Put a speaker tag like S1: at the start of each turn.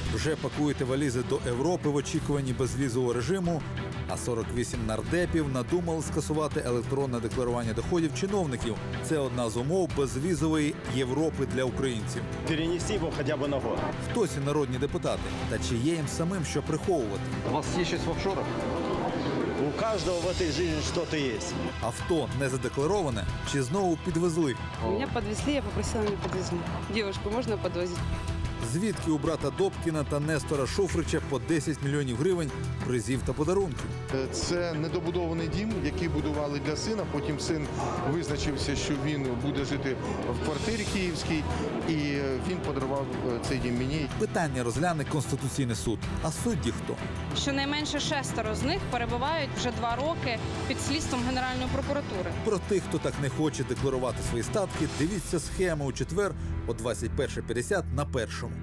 S1: Вже пакуєте валізи до Європи в очікуванні безвізового режиму, а 48 нардепів надумали скасувати електронне декларування доходів чиновників. Це одна з умов безвізової Європи для українців.
S2: Перенести его хотя бы на год.
S1: Хтось і народні депутати. Та чи є їм самим що приховувати?
S3: У вас є щось в офшорах?
S2: У каждого в этой жизни что-то есть.
S1: Авто не задеклароване чи знову підвезли?
S4: Меня подвезли, я попросила меня подвезли. Девушку можно подвозить?
S1: Звідки у брата Добкіна та Нестора Шуфрича по 10 мільйонів гривень призів та подарунків?
S5: Це недобудований дім, який будували для сина. Потім син визначився, що він буде жити в квартирі київській, і він подарував цей дім мені.
S1: Питання розгляне Конституційний суд. А судді хто?
S6: Щонайменше 6 з них перебувають вже 2 роки під слідством Генеральної прокуратури.
S1: Про тих, хто так не хоче декларувати свої статки, дивіться схему у четвер о 21:50 на Першому.